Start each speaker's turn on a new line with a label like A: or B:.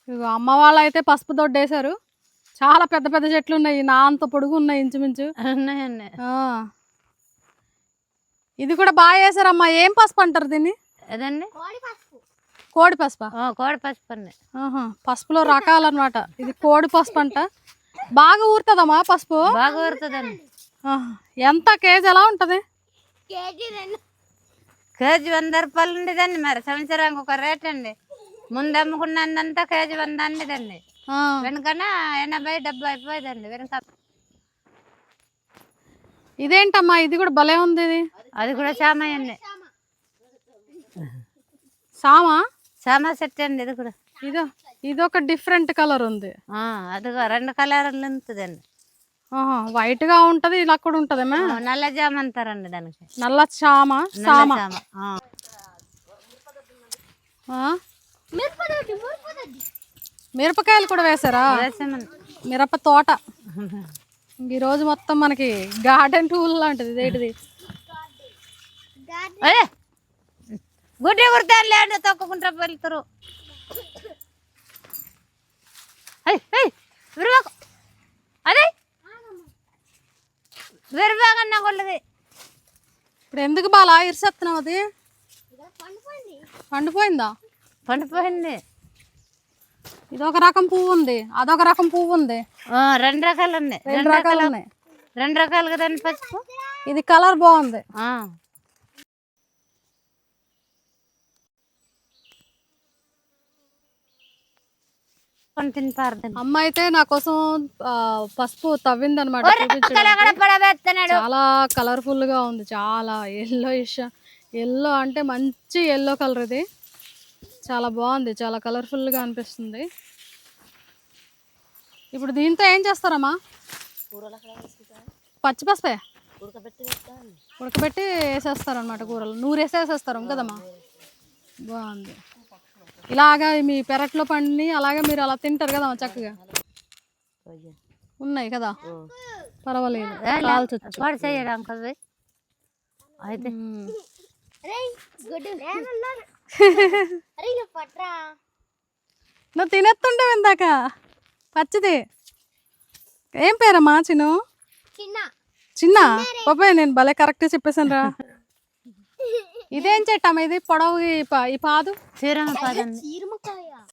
A: ఇగో అమ్మ వాళ్ళు అయితే పసుపు దొడ్డేశారు. చాలా పెద్ద పెద్ద చెట్లు ఉన్నాయి. నా అంత పొడుగు ఉన్నాయి ఇంచుమించు.
B: ఉన్నాయండి.
A: ఇది కూడా బాగా వేసారమ్మా. ఏం పసుపు అంటారు దీన్ని?
B: అదండి
A: కోడి పసుపా?
B: కోడి పసుపు అండి.
A: పసుపులో రకాలు అనమాట. ఇది కోడి పసుపు అంట. బాగా ఊరుతుందమ్మా పసుపు?
B: బాగా ఊరుతుందండి.
A: ఎంత కేజీ ఎలా ఉంటది?
B: కేజీ 100 రూపాయలు ఉండేదండి. మరి సంవత్సరానికి ఒక రేట్ అండి. ముందు అమ్ముకున్నంతా కేజీ 100 అండిదండి. వెనుకన 80-70 అయిపోయేదండి వెనుక.
A: ఇదేంటమ్మా ఇది కూడా భలే ఉంది. ఇది
B: అది కూడా సామాయండి.
A: సామా
B: సెట్ అండి. ఇది కూడా
A: ఇదొక డిఫరెంట్ కలర్ ఉంది.
B: అదిగో 2 కలర్లు ఉంటుందండి.
A: వైట్ గా ఉంటది, ఇలా కూడా ఉంటది.
B: నల్ల జామ అంటారండి దానికి.
A: నల్ల సామా. మిరపకాయలు కూడా వేసారా? మిరప తోట. ఈ రోజు మొత్తం మనకి గార్డెన్ టూల్ లాంటిది. ఇదేంటిది?
B: గుడ్డి కుడతాను లేండి, తొక్కుకుంటా వెళ్తారు. అదే విరబాగన్నా కొల్లది.
A: ఇప్పుడు ఎందుకు బాలా ఇరిసేస్తున్నావు? అది పండిపోయిందా?
B: పండిపోయింది.
A: ఇదొక రకం పువ్వు ఉంది, అదొక రకం పువ్వు ఉంది.
B: 2 రకాలు ఉన్నాయి.
A: 2 రకాలు ఉన్నాయి.
B: 2 రకాలు కదండి పసుపు.
A: ఇది కలర్ బాగుంది. అమ్మ అయితే నా కోసం పసుపు తవ్వింది అనమాట. చాలా కలర్ఫుల్ గా ఉంది. చాలా ఎల్లో అంటే మంచి ఎల్లో కలర్. ఇది చాలా బాగుంది, చాలా కలర్ఫుల్ గా అనిపిస్తుంది. ఇప్పుడు దీంతో ఏం చేస్తారమ్మా? పచ్చి పసుపే ఉడకబెట్టి వేసేస్తారు అనమాట కూరలు. నూరేసేసేస్తారు కదమ్మా. బాగుంది. ఇలాగా మీ పెరట్లో పండి అలాగే మీరు అలా తింటారు కదమ్మా. చక్కగా ఉన్నాయి కదా, పర్వాలేదు. నువ్వు తినేస్తుంటావు ఇందాక పచ్చిది. ఏం పేరమ్మా? చిన్న బాబాయ్, నేను భలే కరెక్ట్గా చెప్పేసాను రా. ఇదేం చెట్టమ్మా? ఇది పొడవు ఈ పాదు
B: చీరమ పాదండి.